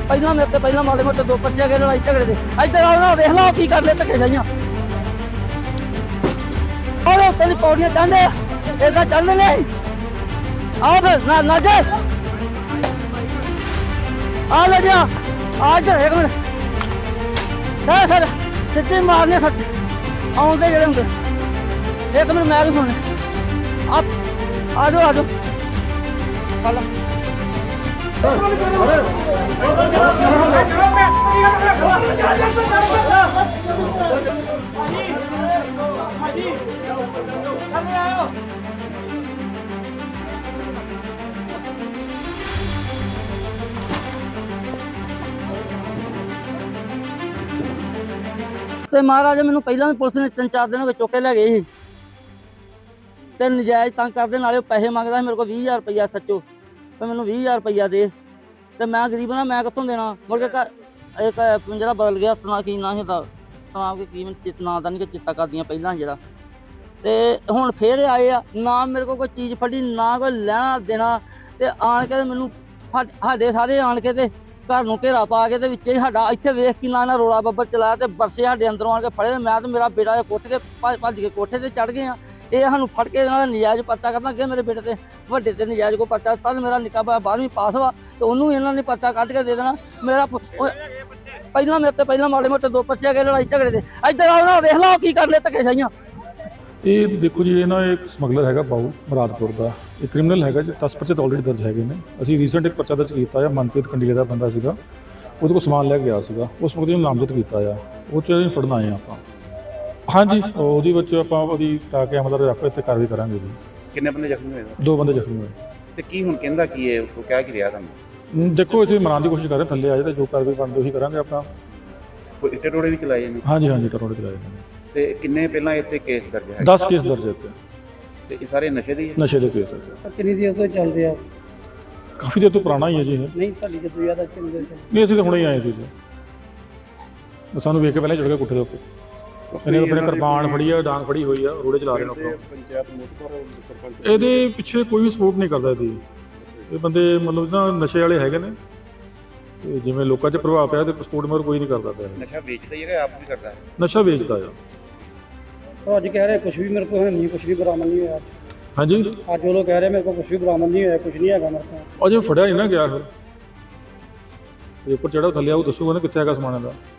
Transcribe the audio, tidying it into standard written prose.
ਪਹਿਲਾਂ ਮੇਰੇ ਤੇ ਪਹਿਲਾਂ ਮਾੜੇ ਮੋਟੇ 2 ਬੱਚੇ ਗਏ ਲੜਾਈ ਝਗੜੇ ਦੇ। ਇੱਧਰ ਆਓ ਨਾ, ਵੇਖ ਲਓ ਕੀ ਕਰਦੇ ਧੱਕੇ ਸਾਈਆਂ। ਔਰ ਉੱਤੇ ਦੀ ਪੌੜੀਆਂ ਚੜ੍ਹਦੇ ਏਦਾਂ ਚੱਲਦੇ ਨੇ। ਆਓ ਫਿਰ ਨਾ ਜਾ ਆ ਲੈ ਜਾ ਆ ਇੱਧਰ ਇੱਕ ਮਿੰਟ ਸਰ ਸਿੱਧੇ ਮਾਰਨੇ ਸੱਚ ਆਉਂਦੇ ਜਿਹੜੇ ਹੁੰਦੇ। ਇੱਕ ਮਿੰਟ ਮੈਂ ਕੀ ਸੁਣਨੇ ਆ ਜਾਓ ਚੱਲ ਤੇ ਮਹਾਰਾਜ ਮੈਨੂੰ ਪਹਿਲਾਂ ਵੀ ਪੁਲਿਸ ਨੇ 3-4 ਦਿਨ ਹੋ ਗਏ ਚੁੱਕ ਕੇ ਲੈ ਗਏ ਸੀ ਤੇ ਨਜਾਇਜ਼ ਤੰਗ ਕਰਦੇ, ਨਾਲੇ ਉਹ ਪੈਸੇ ਮੰਗਦਾ ਸੀ ਮੇਰੇ ਕੋਲ 20,000 ਰੁਪਈਆ ਸੱਚੋ ਤੇ ਮੈਨੂੰ 20,000 ਰੁਪਈਆ ਦੇ ਤੇ ਮੈਂ ਗਰੀਬ ਨਾ, ਮੈਂ ਕਿੱਥੋਂ ਦੇਣਾ। ਮੁੜ ਕੇ ਇੱਕ ਜਿਹੜਾ ਬਦਲ ਗਿਆ ਸਤਨਾਮ ਕੀ ਨਾਂ ਸੀ ਦਾ, ਸਤਨਾਮ ਕੇ ਕੀ ਨਾਂ ਦਾ ਨਹੀਂ ਕਿ ਚਿੱਤਾ ਕਰਦੀਆਂ ਪਹਿਲਾਂ ਜਿਹੜਾ, ਤੇ ਹੁਣ ਫੇਰ ਆਏ ਆ ਨਾ ਮੇਰੇ ਕੋਲ ਕੋਈ ਚੀਜ਼ ਫੜੀ ਨਾ ਕੋਈ ਲੈਣਾ ਦੇਣਾ। ਤੇ ਆਣ ਕੇ ਮੈਨੂੰ ਸਾਡੇ ਸਾਰੇ ਆਣ ਕੇ ਤੇ ਘਰ ਨੂੰ ਘੇਰਾ ਪਾ ਕੇ ਤੇ ਵਿੱਚੇ ਸਾਡਾ ਇੱਥੇ ਵੇਖ ਕੇ ਨਾ ਰੋਲਾ ਬੱਬਰ ਚਲਾਇਆ ਤੇ ਬਰਸੇ ਸਾਡੇ ਅੰਦਰੋਂ ਆਣ ਕੇ ਫੜੇ। ਮੈਂ ਤੇ ਮੇਰਾ ਬੇਟਾ ਕੁੱਟ ਕੇ ਭੱਜ ਕੇ ਕੋਠੇ ਤੇ ਚੜ ਗਏ ਆ। ਇਹ ਸਾਨੂੰ ਫੜ ਕੇ ਇਹਨਾਂ ਦਾ ਨਜਾਇਜ਼ ਪਰਚਾ ਕਰਨਾ ਅੱਗੇ ਮੇਰੇ ਬੇਟੇ ਤੇ ਵੱਡੇ ਤੇ ਨਜਾਇਜ਼ ਕੋ ਪਰਚਾ ਤਦ ਮੇਰਾ ਨਿੱਕਾ 12ਵੀਂ ਪਾਸ ਵਾ ਤੇ ਉਹਨੂੰ ਇਹਨਾਂ ਨੇ ਪਰਚਾ ਕੱਢ ਕੇ ਦੇ ਦੇਣਾ। ਮੇਰਾ ਪਹਿਲਾਂ ਮੇਰੇ ਤੇ ਪਹਿਲਾਂ ਮਾੜੇ ਮੋਟੇ 2 ਬੱਚੇ ਗਏ ਲੜਾਈ ਝਗੜੇ ਦੇ। ਇੱਧਰ ਆਓ ਨਾ, ਵੇਖ ਲਓ ਕੀ ਕਰਦੇ ਧੱਕੇ ਸਾਈਆਂ। ਇਹ ਦੇਖੋ ਜੀ, ਇਹ ਨਾ ਇੱਕ ਸਮਗਲਰ ਹੈਗਾ ਬਾਊ ਮੁਰਾਦਪੁਰ ਦਾ, ਇਹ ਕ੍ਰਿਮੀਨਲ ਹੈਗਾ ਜੀ। 10 ਪਰਚੇ ਆਲਰੇਡੀ ਦਰਜ ਹੈਗੇ ਨੇ। ਅਸੀਂ ਰੀਸੈਂਟ ਇੱਕ ਪਰਚਾ ਦਰਜ ਕੀਤਾ ਆ, ਮਨਪ੍ਰੀਤ ਕੰਡੀਲੇ ਦਾ ਬੰਦਾ ਸੀਗਾ, ਉਹਦੇ ਕੋਲ ਸਮਾਨ ਲੈ ਕੇ ਗਿਆ ਸੀਗਾ, ਉਸ ਮੁਕਦੇ ਨੂੰ ਨਾਮਜ਼ਦ ਕੀਤਾ ਆ, ਉਹ 'ਚ ਅਸੀਂ ਫੜਨ ਆਏ ਆਪਾਂ। ਹਾਂਜੀ, ਉਹਦੇ ਵਿੱਚ ਆਪਾਂ ਉਹਦੀ ਟਾ ਕੇ ਮਤਲਬ ਰੱਖ ਇੱਥੇ ਕਾਰਵਾਈ ਕਰਾਂਗੇ ਜੀ। ਕਿੰਨੇ ਬੰਦੇ ਜ਼ਖਮੀ ਹੋਏ? 2 ਬੰਦੇ ਜ਼ਖਮੀ ਹੋਏ। ਤੇ ਕੀ ਹੁਣ ਕਹਿੰਦਾ ਕੀ ਹੈ, ਉਹ ਕਹਿ ਕੀ ਰਿਹਾ ਤੁਹਾਨੂੰ? ਦੇਖੋ ਅਸੀਂ ਮਨਾਉਣ ਦੀ ਕੋਸ਼ਿਸ਼ ਕਰ ਰਹੇ, ਥੱਲੇ ਆ ਜਾਏ ਤੇ ਜੋ ਕਾਰਵਾਈ ਬਣਦੀ ਉਹੀ ਕਰਾਂਗੇ ਆਪਾਂ। ਕੋਈ ਇੱਟੇ ਟੋੜੇ ਵੀ ਚਲਾਏ ਨੇ? ਹਾਂਜੀ ਟਰੋੜੇ ਚਲਾਏ ਨੇ। ਤੇ ਕਿੰਨੇ ਪਹਿਲਾਂ ਇੱਥੇ ਕੇਸ ਦਰਜ ਹੈ? 10 ਕੇਸ ਦਰਜ ਇੱਥੇ। ਤੇ ਇਹ ਸਾਰੇ ਨਸ਼ੇ ਦੇ ਹੀ ਹੈ? ਨਸ਼ੇ ਦੇ ਕੇਸ ਹੈ। ਕਿੰਨੀ ਦੇਰ ਤੋਂ ਚੱਲਦੇ ਆ? ਕਾਫੀ ਦੇਰ ਤੋਂ ਪੁਰਾਣਾ ਹੀ ਹੈ ਜੀ ਇਹ। ਨਹੀਂ ਤੁਹਾਡੀ ਜਦੋਂ ਯਾਦ ਆ ਕਿੰਨੀ ਦੇਰ ਤੋਂ? ਨਹੀਂ, ਅਸੀਂ ਤਾਂ ਹੁਣੇ ਹੀ ਆਏ ਸੀ ਜੀ। ਸਾਨੂੰ ਵੇਖ ਕੇ ਪਹਿਲਾਂ ਚੜ ਗਿਆ ਕੋਠੇ ਦੇ ਉੱਤੇ। ਇਹਨੇ ਆਪਣੇ ਕਿਰਪਾਨ ਫੜੀ ਆ, ਡਾਂਗ ਫੜੀ ਹੋਈ ਆ, ਰੋੜੇ ਚਲਾ ਰਹੇ ਨੇ ਆਪਾਂ। ਪੰਚਾਇਤ ਮੁਤਬਰ ਸਰਪੰਚ ਇਹਦੇ ਪਿੱਛੇ ਕੋਈ ਵੀ ਸਪੋਰਟ ਨਹੀਂ ਕਰਦਾ ਇਹਦੀ। ਇਹ ਬੰਦੇ ਮਤਲਬ ਨਾ ਨਸ਼ੇ ਵਾਲੇ ਹੈਗੇ ਨੇ ਤੇ ਜਿਵੇਂ ਲੋਕਾਂ 'ਚ ਪ੍ਰਭਾਵ ਪਿਆ ਤੇ ਸਪੋਰਟ ਮਗਰ ਕੋਈ ਨਹੀਂ ਕਰਦਾ ਪਿਆ। ਨਸ਼ਾ ਵੇਚਦਾ ਹੀ ਹੈ, ਆਪ ਵੀ ਕਰਦਾ ਹੈ? ਨਸ਼ਾ ਵੇਚਦਾ ਆ। ਉਹ ਅੱਜ ਕਹਿ ਰਹੇ ਕੁਝ ਵੀ ਮੇਰੇ ਕੋਲ ਹੈ ਨਹੀਂ, ਕੁਝ ਵੀ ਬਰਾਮਦ ਨਹੀਂ ਹੋਇਆ। ਹਾਂਜੀ, ਅੱਜ ਉਹ ਲੋਕ ਕਹਿ ਰਹੇ ਮੇਰੇ ਕੋਲ ਕੁਝ ਵੀ ਬਰਾਮਦ ਨਹੀਂ ਹੋਇਆ, ਕੁਝ ਨਹੀਂ ਹੈਗਾ ਮੇਰੇ ਕੋਲ। ਅਜੇ ਫੜਿਆ ਨਹੀਂ ਨਾ ਗਿਆ। ਫਿਰ ਉੱਪਰ ਚੜਾ ਥੱਲੇ ਆਉ ਦੱਸੂਗਾ ਨਾ ਕਿੱਥੇ ਹੈਗਾ ਸਮਾਨ ਦਾ।